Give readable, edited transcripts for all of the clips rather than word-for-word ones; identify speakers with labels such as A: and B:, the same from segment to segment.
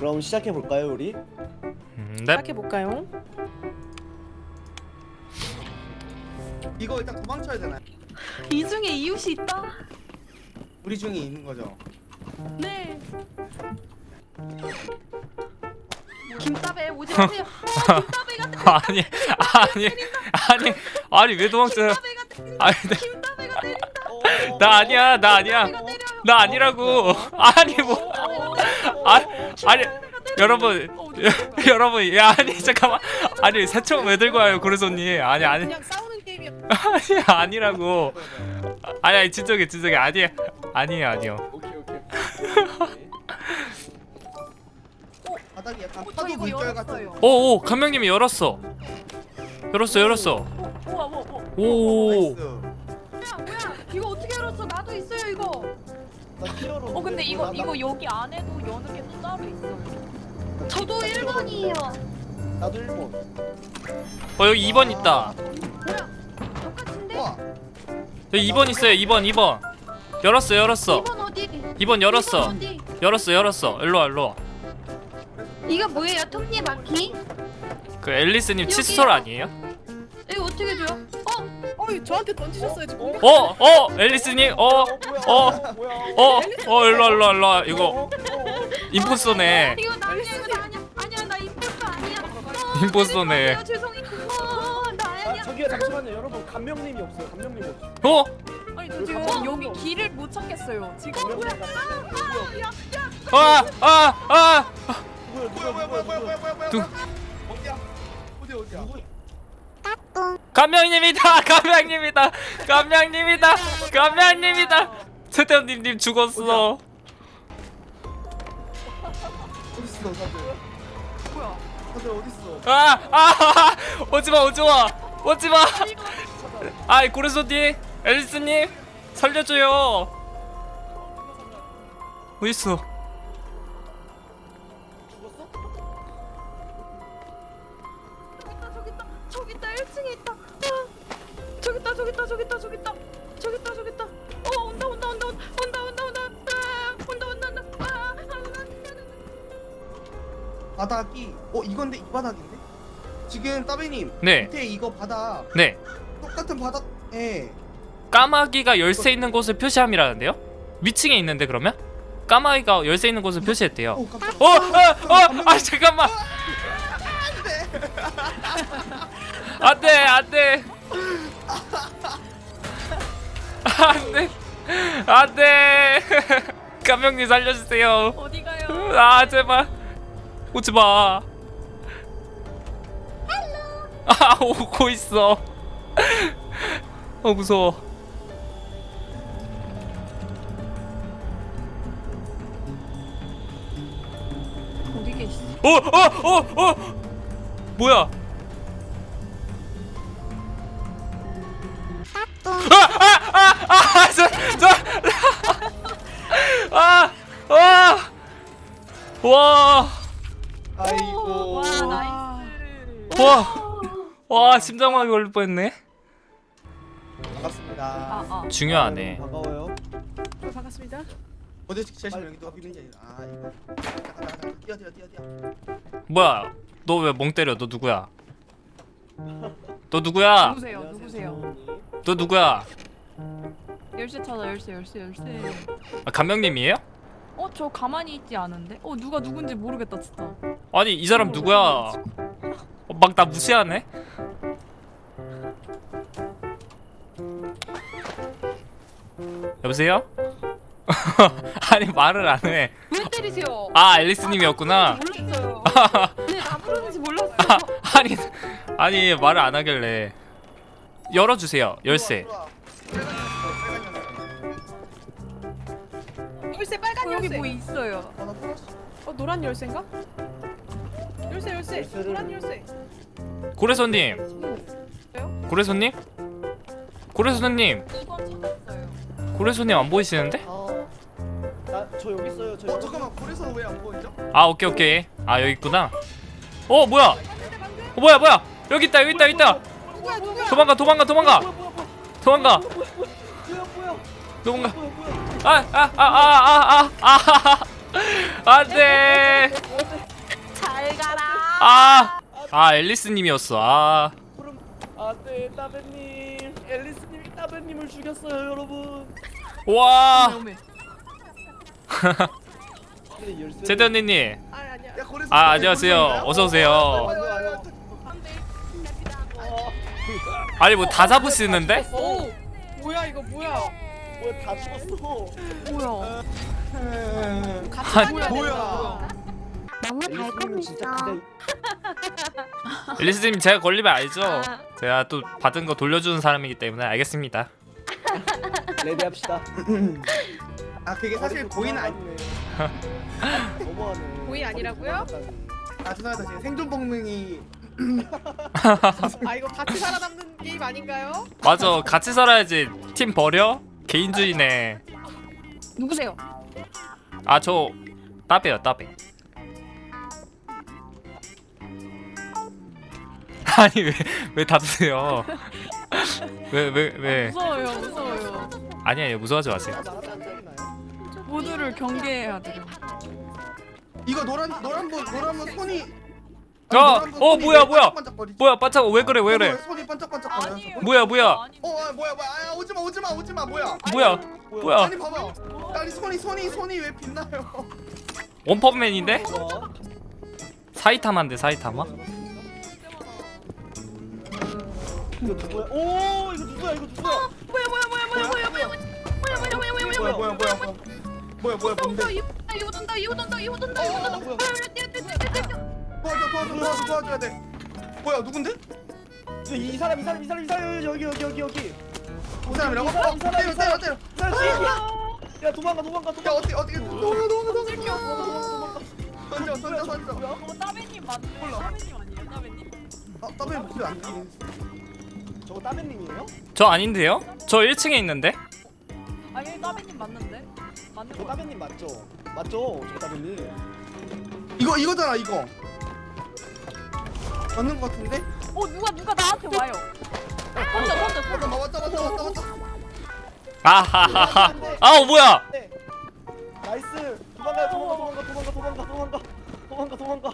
A: 그럼 시작해 볼까요, 우리?
B: 네.
C: 시작해볼까요?
D: 이거 일단 도망쳐야 되나요?
E: 이 중에 이웃이 있다.
D: 우리 중에 있는 거죠.
E: 네. 김따배 오지 마세요. 김따배가
B: 아니 아니 왜 도망쳐요?
E: 김따배가 때린다.
B: 아니
E: 김따배가 때린다.
B: 나 아니야 나 아니야 나 아니라고 아니 뭐 아니 여러분 여러분 야 아니 잠깐만 아니 새총 왜 들고 와요 고래손님 아니
C: 그냥 싸우는 게임이야.
B: 아니 아니라고 아니 진정해 아니에요
A: 오케이.
D: 바닥이 약간
E: 저
D: 파도
E: 이거
D: 물결 같은.
E: 열었어요.
B: 오오 감명님이 열었어
E: 우와.
B: 오
D: 나이스.
E: 뭐야? 이거 어떻게 열었어? 나도 있어요 이거.
A: 나 히어로.
F: 근데 이거 여기 안에도 여는 게 또 따로 있어요.
E: 저도 1번이에요.
A: 나도 1번.
B: 여기 2번 있다
E: 뭐야? 똑같은데?
D: 와.
B: 여기 2번 있어요 2번 열었어
E: 2번 어디?
B: 2번 열었어
E: 어디?
B: 열었어 일로와
E: 이거 뭐예요? 톱니바퀴?
B: 그 앨리스님
E: 여기요.
B: 칫솔 아니에요?
E: 이거 어떻게 줘요?
C: 어이 저한테 던지셨어요 지금.
B: 앨리스님 일로와 이거 임포스터네
E: 이거 나 아니야 이거 나 아니야 나 임포스터 아니야.
B: 임포스터네
E: 죄송해요. 나 아니야.
A: 저기요, 잠시만요, 여러분. 감명님이 없어요. 감명님 없어.
F: 아니 저 지금 여기 길을 못 찾겠어요. 지금
A: 감명님
D: 뭐야.
B: 누-
D: 어디야?
B: 감명님이다 최태원님 죽었어
D: 어딨어 다들?
F: 뭐야?
D: 다들 어딨어?
B: 오지마 아이 고래손님 앨리스님 살려줘요 어딨어
E: 저기 있다 1층에 있다. 저기 있다. 온다.
D: 바닥이 이건데 이 바닥인데? 지금 따배님
B: 네
D: 밑에 이거 바닥
B: 네.
D: 똑같은 바닥에
B: 까마귀가 열쇠 있는 곳을 표시함이라는데요? 위층에 있는데 그러면? 까마귀가 열쇠 있는 곳을 표시했대요
D: 깜짝이야.
B: 잠깐만 안돼 감명님 살려주세요
F: 어디 가요?
B: 제발 오지마 오고 있어 무서워
F: 어디 계시?
B: 뭐야 와
D: 아이고.
F: 와 나이스.
B: 와 심장마비 걸릴 뻔했네
D: 반갑습니다.
F: 아.
B: 중요하네
A: 반가워요.
C: 반갑습니다.
D: 어제 제시 여기 누가 비는지 이거. 잠깐 뛰어.
B: 뭐야 너 왜 멍 때려 너 누구야 너 누구야 너 누구야
F: 열쇠 찾아 열쇠.
B: 감명님이에요?
F: 저 가만히 있지 않은데? 누가 누군지 모르겠다 진짜.
B: 아니 이 사람 누구야 막 나 무시하네 여보세요? 아니 말을 안해
E: 왜 때리세요?
B: 앨리스님이었구나
E: 몰랐어요. 네, 나 부르는지 몰랐어요.
B: 아니 말을 안 하길래 열어주세요 열쇠
C: 열쇠 빨간
F: 여기
C: 열쇠.
F: 뭐 있어요?
C: 노란 열쇠인가? 열쇠.
A: 열쇠를-
C: 노란 열쇠.
B: 고래손님 고래손님
F: 2번 찾았어요.
B: 고래손님 안 보이시는데?
A: 저 여기 있어요.
D: 잠깐만 그래서 왜 안 보이죠?
B: 오케이 여기 있구나 뭐야 뭐야 여기 있다
C: 누구야?
B: 도망가
A: 뭐야? 안돼.
B: 아 앨리스님이었어. 아
A: 그럼 안돼 따배님. 앨리스님이 따배님을 죽였어요 여러분.
B: 와.
C: 오메.
A: 근데 열쇠.
B: 제드 언니님.
C: 아니야.
D: 야 고래서.
B: 아 안녕하세요. 어서 오세요.
A: 와요.
B: 아니 뭐 다 잡으시는데?
C: 오. 뭐야 이거 뭐야?
A: 뭐야 다 죽었어.
C: 뭐야? 같이
B: 아니,
C: 다녀야
D: 뭐야.
C: 된다.
E: 너무
A: 앨리스님은 진짜 그냥
B: 앨리스님 제가 걸리면 알죠? 제가 또 받은 거 돌려주는 사람이기 때문에 알겠습니다.
A: 레디합시다.
D: 아 그게 사실 고의는 아니.
A: 너무하네.
C: 고의 아니라고요?
D: 아 죄송합니다. 제가 생존 본능이.
C: 아 이거 같이 살아남는 게임 아닌가요?
B: 맞아 같이 살아야지. 팀 버려? 개인주의네.
E: 누구세요?
B: 아 저 따배요 따배. 아니 왜 닫으세요? 왜?
C: 무서워요 무서워요.
B: 아니에요 무서워하지 마세요.
C: 모두를 경계해야 돼요.
D: 이거 노란분 손이.
B: 뭐야
D: 반짝반짝거리지?
B: 뭐야 반짝 왜 그래?
D: 손이 반짝반짝거려.
F: 아니에요.
B: 뭐야?
D: 뭐야 아 오지마 뭐야.
B: 뭐야?
D: 아니 봐봐. 아니 손이 왜 빛나요?
B: 원펀맨인데? 사이타마인데 사이타마?
A: 이거 누구야? 오 이거 누구야?
D: 뭐야 뭔데?
E: 이거 돈다.
D: 도와줘야 돼. 뭐야 누군데?
A: 이 사람 여기.
D: 그 사람이라고?
A: 이 사람.
D: 때려.
A: 야 도망가.
D: 야 어떻게 도망가. 던져.
F: 저거 따배님 맞는 따배님 아니에요? 따배님?
D: 아 더블 목소리 안 들리네.
A: 저거 따배님이에요?
B: 저 아닌데요? 저 1층에 있는데?
F: 아니 따배님 맞는데? 맞는
A: 저
F: 거
A: 따배님 맞죠? 저 따배님.
D: 이거잖아 이거. 맞는 거 같은데?
F: 누가 나한테 와요.
D: 맞다.
B: 아하하하. 아우 뭐야?
A: 네. 나이스. 도망가.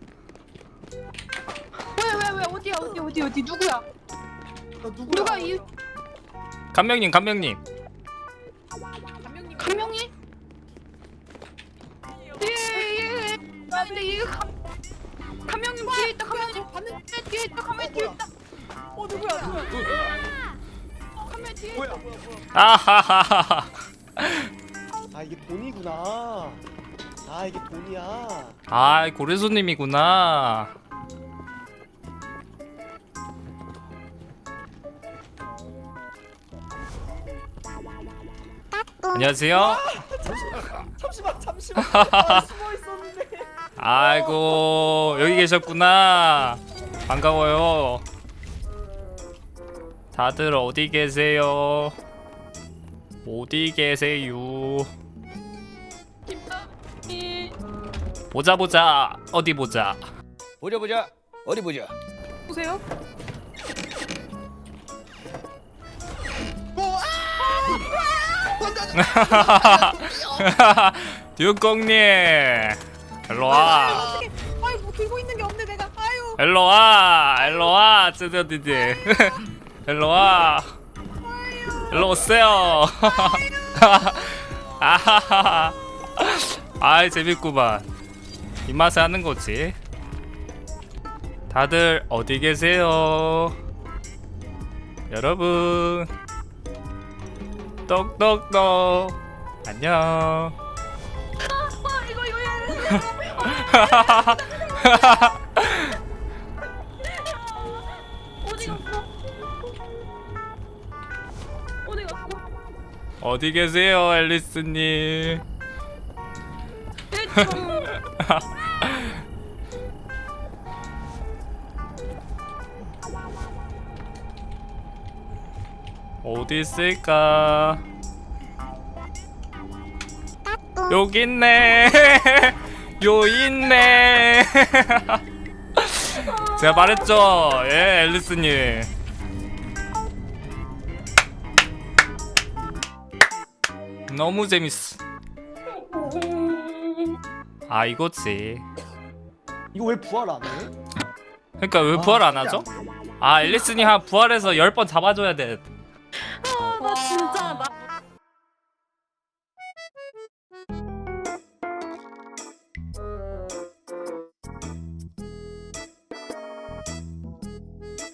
E: 왜 어디 누구야?
D: 나 누구야?
E: 누가 이
B: 감명님.
C: 감명님.
E: 감명이? 예. 근데 이거 감명님 뒤에 있다. 감명님 봤는 뒤에 있다. 감명 뒤에 있다.
C: 누구야?
E: 감명 뒤에.
D: 뭐야?
B: 아하하하.
A: 아 이게 돈이구나. 아 이게 돈이야.
B: 아 고래손님이구나. 안녕하세요.
A: 잠시만. 아, 숨어 있었는데.
B: 아이고 여기 계셨구나. 반가워요. 다들 어디 계세요? 보자 어디 보자.
A: 어디 보자.
C: 보세요.
B: 듀꽁님 일로와.
C: 아유 뭐 들고 있는 게 없네 내가. 아유.
B: 일로와 쯔드디디. 일로와 일로 오세요. 아하하. 아이 재밌구만. 입맛에 하는 거지. 다들 어디 계세요? 여러분 똑똑똑 안녕. 어디 계세요 앨리스님? 어디 있을까? 여기 있네. 요 있네. 제가 말했죠. 예, 앨리스님. 너무 재밌어. 아 이거지.
A: 이거 왜 부활 안 해?
B: 그러니까 왜 부활 안 하죠? 아 앨리스님 한 부활해서 10번 잡아줘야 돼.